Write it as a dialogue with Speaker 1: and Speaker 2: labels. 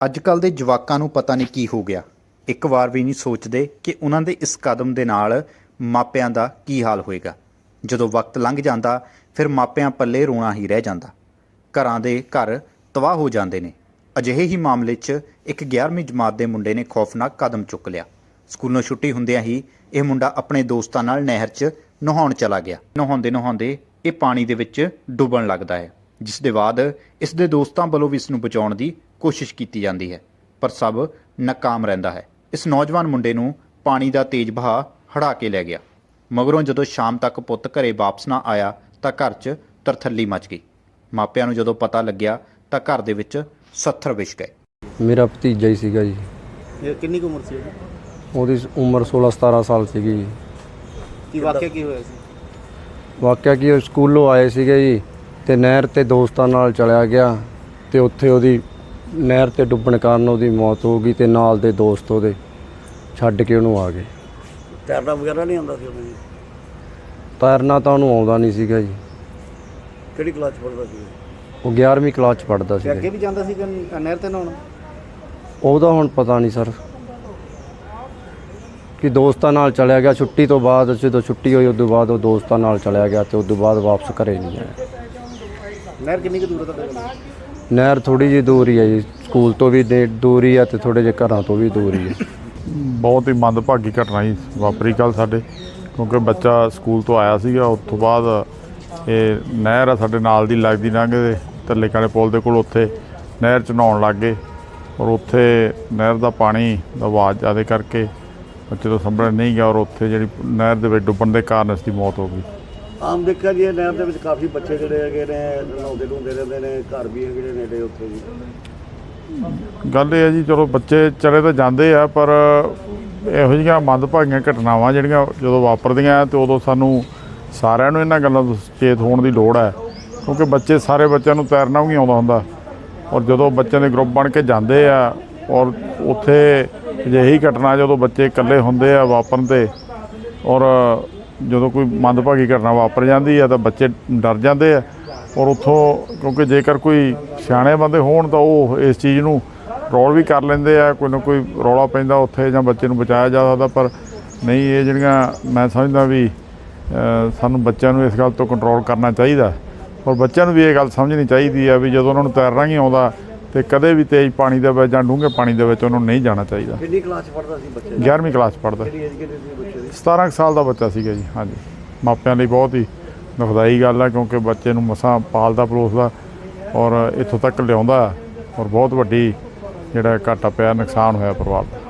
Speaker 1: ਅੱਜ-ਕੱਲ੍ਹ ਦੇ ਜਵਾਕਾਂ ਨੂੰ ਪਤਾ ਨਹੀਂ ਕੀ ਹੋ ਗਿਆ। ਇੱਕ ਵਾਰ ਵੀ ਨਹੀਂ ਸੋਚਦੇ ਕਿ ਉਹਨਾਂ ਦੇ ਇਸ ਕਦਮ ਦੇ ਨਾਲ ਮਾਪਿਆਂ ਦਾ ਕੀ ਹਾਲ ਹੋਏਗਾ। ਜਦੋਂ ਵਕਤ ਲੰਘ ਜਾਂਦਾ ਫਿਰ ਮਾਪਿਆਂ ਪੱਲੇ ਰੋਣਾ ਹੀ ਰਹਿ ਜਾਂਦਾ। ਘਰਾਂ ਦੇ ਘਰ ਤਬਾਹ ਹੋ ਜਾਂਦੇ ਨੇ। ਅਜਿਹੇ ਹੀ ਮਾਮਲੇ 'ਚ ਇੱਕ 11ਵੀਂ ਜਮਾਤ ਦੇ ਮੁੰਡੇ ਨੇ ਖੌਫਨਾਕ ਕਦਮ ਚੁੱਕ ਲਿਆ। ਸਕੂਲੋਂ ਛੁੱਟੀ ਹੁੰਦਿਆਂ ਹੀ ਇਹ ਮੁੰਡਾ ਆਪਣੇ ਦੋਸਤਾਂ ਨਾਲ ਨਹਿਰ 'ਚ ਨਹਾਉਣ ਚਲਾ ਗਿਆ। ਨਹਾਉਂਦੇ ਇਹ ਪਾਣੀ ਦੇ ਵਿੱਚ ਡੁੱਬਣ ਲੱਗਦਾ ਹੈ, ਜਿਸ ਦੇ ਬਾਅਦ ਇਸ ਦੇ ਦੋਸਤਾਂ ਵੱਲੋਂ ਵੀ ਇਸ ਨੂੰ ਬਚਾਉਣ ਦੀ ਕੋਸ਼ਿਸ਼ ਕੀਤੀ ਜਾਂਦੀ ਹੈ, ਪਰ ਸਭ ਨਾਕਾਮ ਰਹਿੰਦਾ ਹੈ। ਇਸ ਨੌਜਵਾਨ ਮੁੰਡੇ ਨੂੰ ਪਾਣੀ ਦਾ ਤੇਜ਼ ਵਹਾਅ ਹੜਾ ਕੇ ਲੈ ਗਿਆ। ਮਗਰੋਂ ਜਦੋਂ ਸ਼ਾਮ ਤੱਕ ਪੁੱਤ ਘਰੇ ਵਾਪਸ ਨਾ ਆਇਆ ਤਾਂ ਘਰ 'ਚ ਤਰਥੱਲੀ ਮਚ ਗਈ। ਮਾਪਿਆਂ ਨੂੰ ਜਦੋਂ ਪਤਾ ਲੱਗਿਆ ਤਾਂ ਘਰ ਦੇ ਵਿੱਚ ਸੱਥਰ ਵਿਛ ਗਏ।
Speaker 2: ਮੇਰਾ ਭਤੀਜਾ ਹੀ ਸੀਗਾ ਜੀ।
Speaker 3: ਇਹ ਕਿੰਨੀ ਕੁ ਉਮਰ ਸੀ
Speaker 2: ਉਹਦੀ ਉਮਰ 16-17 ਸਾਲ ਸੀਗੀ ਜੀ।
Speaker 3: ਕੀ ਵਾਕਿਆ ਕੀ ਹੋਇਆ ਸੀ?
Speaker 2: ਵਾਕਿਆ ਕੀ, ਉਹ ਸਕੂਲੋਂ ਆਏ ਸੀਗੇ ਜੀ ਤੇ ਨਹਿਰ ਤੇ ਦੋਸਤਾਂ ਨਾਲ ਚਲਿਆ ਗਿਆ ਤੇ ਉੱਥੇ ਉਹਦੀ ਨਹਿਰ ਤੇ ਡੁੱਬਣ ਕਾਰਨ ਉਹਦੀ ਮੌਤ ਹੋ ਗਈ ਤੇ ਨਾਲ ਦੇ ਦੋਸਤ ਉਹਦੇ ਛੱਡ ਕੇ ਉਹਨੂੰ ਆ ਗਏ।
Speaker 3: ਤੈਰਨਾ ਵਗੈਰਾ ਨਹੀਂ ਆਉਂਦਾ ਸੀ ਉਹਨੂੰ?
Speaker 2: ਤੈਰਨਾ ਤਾਂ ਉਹਨੂੰ ਆਉਂਦਾ ਨਹੀਂ ਸੀਗਾ ਜੀ।
Speaker 3: ਕਿਹੜੀ ਕਲਾਸ 'ਚ ਪੜ੍ਹਦਾ ਸੀ?
Speaker 2: ਉਹ 11ਵੀਂ ਕਲਾਸ 'ਚ ਪੜ੍ਹਦਾ
Speaker 3: ਤੇ ਅੱਗੇ
Speaker 2: ਸੀ।
Speaker 3: ਵੀ ਜਾਂਦਾ ਸੀ ਕਿ ਨਹਿਰ ਤੇ ਨਹਾਉਣ?
Speaker 2: ਉਹਦਾ ਹੁਣ ਪਤਾ ਨਹੀਂ ਸਰ, ਕਿ ਦੋਸਤਾਂ ਨਾਲ ਚਲਿਆ ਗਿਆ ਛੁੱਟੀ ਤੋਂ ਬਾਅਦ। ਜਦੋਂ ਛੁੱਟੀ ਹੋਈ ਉਸ ਤੋਂ ਬਾਅਦ ਉਹ ਦੋਸਤਾਂ ਨਾਲ ਚਲਿਆ ਗਿਆ ਤੇ ਉਸ ਤੋਂ ਬਾਅਦ ਵਾਪਸ ਘਰੇ ਨਹੀਂ ਆਇਆ।
Speaker 3: ਨਹਿਰ ਕਿੰਨੀ ਕੁ ਦੂਰ ਹੈ ਤੁਹਾਡੇ ਕੋਲ?
Speaker 2: ਨਹਿਰ ਥੋੜ੍ਹੀ ਜਿਹੀ ਦੂਰ ਹੀ ਹੈ ਜੀ, ਸਕੂਲ ਤੋਂ ਵੀ ਦੂਰ ਹੀ ਹੈ ਤੇ ਥੋੜ੍ਹੇ ਜਿਹੇ ਘਰਾਂ ਤੋਂ ਵੀ ਦੂਰ ਹੀ ਹੈ।
Speaker 4: ਬਹੁਤ ਹੀ ਮੰਦਭਾਗੀ ਘਟਨਾ ਹੀ ਵਾਪਰੀ ਕੱਲ੍ਹ ਸਾਡੇ, ਕਿਉਂਕਿ ਬੱਚਾ ਸਕੂਲ ਤੋਂ ਆਇਆ ਸੀਗਾ। ਉਸ ਤੋਂ ਬਾਅਦ ਇਹ ਨਹਿਰ ਆ ਸਾਡੇ ਨਾਲ ਦੀ ਲੱਗਦੀ ਲੰਘਦੇ ਥੱਲੇ ਕਾਲੇ ਪੁਲ ਦੇ ਕੋਲ, ਉੱਥੇ ਨਹਿਰ 'ਚ ਨਹਾਉਣ ਲੱਗ ਗਏ ਔਰ ਉੱਥੇ ਨਹਿਰ ਦਾ ਪਾਣੀ ਦਾ ਵਹਾਅ ਜ਼ਿਆਦਾ ਕਰਕੇ ਬੱਚੇ ਤੋਂ ਸੰਭਲ ਨਹੀਂ ਗਿਆ ਔਰ ਉੱਥੇ ਜਿਹੜੀ ਨਹਿਰ ਦੇ ਵਿੱਚ ਡੁੱਬਣ ਦੇ ਕਾਰਨ ਇਸ ਦੀ ਮੌਤ ਹੋ ਗਈ।
Speaker 3: ਆਮ ਦੇਖਿਆ ਜੀ ਨਹਿਰ ਦੇ ਵਿੱਚ ਕਾਫੀ ਬੱਚੇ ਜਿਹੜੇ ਹੈਗੇ ਨੇ ਨਹਾਉਂਦੇ ਧੋਂਦੇ ਰਹਿੰਦੇ ਨੇ, ਘਰ ਵੀ ਹੈਗੇ ਨੇ ਨੇੜੇ ਉੱਥੇ ਜੀ।
Speaker 4: ਗੱਲ ਇਹ ਹੈ ਜੀ, ਚਲੋ ਬੱਚੇ ਚਲੇ ਤਾਂ ਜਾਂਦੇ ਆ, ਪਰ ਇਹੋ ਜਿਹੀਆਂ ਮੰਦਭਾਗੀਆਂ ਘਟਨਾਵਾਂ ਜਿਹੜੀਆਂ ਜਦੋਂ ਵਾਪਰਦੀਆਂ ਤੇ ਉਦੋਂ ਸਾਨੂੰ ਸਾਰਿਆਂ ਨੂੰ ਇਹਨਾਂ ਗੱਲਾਂ ਤੋਂ ਸੁਚੇਤ ਹੋਣ ਦੀ ਲੋੜ ਹੈ, ਕਿਉਂਕਿ ਸਾਰੇ ਬੱਚਿਆਂ ਨੂੰ ਤੈਰਨਾ ਵੀ ਨਹੀਂ ਆਉਂਦਾ ਹੁੰਦਾ। ਔਰ ਜਦੋਂ ਬੱਚਿਆਂ ਦੇ ਗਰੁੱਪ ਬਣ ਕੇ ਜਾਂਦੇ ਆ ਔਰ ਉੱਥੇ ਅਜਿਹੀ ਘਟਨਾ ਜਦੋਂ ਬੱਚੇ ਇਕੱਲੇ ਹੁੰਦੇ ਆ ਵਾਪਰਨ 'ਤੇ, ਔਰ ਜਦੋਂ ਕੋਈ ਮੰਦਭਾਗੀ ਘਟਨਾ ਵਾਪਰ ਜਾਂਦੀ ਆ ਤਾਂ ਬੱਚੇ ਡਰ ਜਾਂਦੇ ਆ। ਔਰ ਉੱਥੋਂ ਕਿਉਂਕਿ ਜੇਕਰ ਕੋਈ ਸਿਆਣੇ ਬੰਦੇ ਹੋਣ ਤਾਂ ਉਹ ਇਸ ਚੀਜ਼ ਨੂੰ ਰੋਲ ਵੀ ਕਰ ਲੈਂਦੇ ਆ, ਕੋਈ ਨਾ ਕੋਈ ਰੌਲਾ ਪੈਂਦਾ ਉੱਥੇ ਜਾਂ ਬੱਚੇ ਨੂੰ ਬਚਾਇਆ ਜਾ ਸਕਦਾ। ਪਰ ਨਹੀਂ, ਇਹ ਜਿਹੜੀਆਂ ਮੈਂ ਸਮਝਦਾ ਵੀ ਸਾਨੂੰ ਬੱਚਿਆਂ ਨੂੰ ਇਸ ਗੱਲ ਤੋਂ ਕੰਟਰੋਲ ਕਰਨਾ ਚਾਹੀਦਾ। ਔਰ ਬੱਚਿਆਂ ਨੂੰ ਵੀ ਇਹ ਗੱਲ ਸਮਝਣੀ ਚਾਹੀਦੀ ਆ ਵੀ ਜਦੋਂ ਉਹਨਾਂ ਨੂੰ ਤੈਰਨਾ ਨਹੀਂ ਆਉਂਦਾ ਤੇ ਕਦੇ ਵੀ ਤੇਜ਼ ਪਾਣੀ ਦੇ ਵਿੱਚ ਜਾਂ ਡੂੰਘੇ ਪਾਣੀ ਦੇ ਵਿੱਚ ਉਹਨਾਂ ਨੂੰ ਨਹੀਂ ਜਾਣਾ ਚਾਹੀਦਾ।
Speaker 3: ਕਿੰਨੀ ਕਲਾਸ 'ਚ ਪੜ੍ਹਦਾ ਸੀ ਬੱਚਾ?
Speaker 4: 11ਵੀਂ ਕਲਾਸ 'ਚ ਪੜ੍ਹਦਾ।
Speaker 3: ਕਿਹੜੀ ਏਜ ਕਿੰਨੀ ਸੀ ਬੱਚੇ ਦੀ?
Speaker 4: 17 ਸਾਲ ਦਾ ਬੱਚਾ ਸੀਗਾ ਜੀ। ਹਾਂਜੀ, ਮਾਪਿਆਂ ਲਈ ਬਹੁਤ ਹੀ ਦੁਖਦਾਈ ਗੱਲ ਆ, ਕਿਉਂਕਿ ਬੱਚੇ ਨੂੰ ਮਸਾਂ ਪਾਲਦਾ ਪਲੋਸਦਾ ਔਰ ਇੱਥੋਂ ਤੱਕ ਲਿਆਉਂਦਾ ਔਰ ਬਹੁਤ ਵੱਡੀ ਜਿਹੜਾ ਘਾਟਾ ਪਿਆ, ਨੁਕਸਾਨ ਹੋਇਆ ਪਰਿਵਾਰ ਦਾ।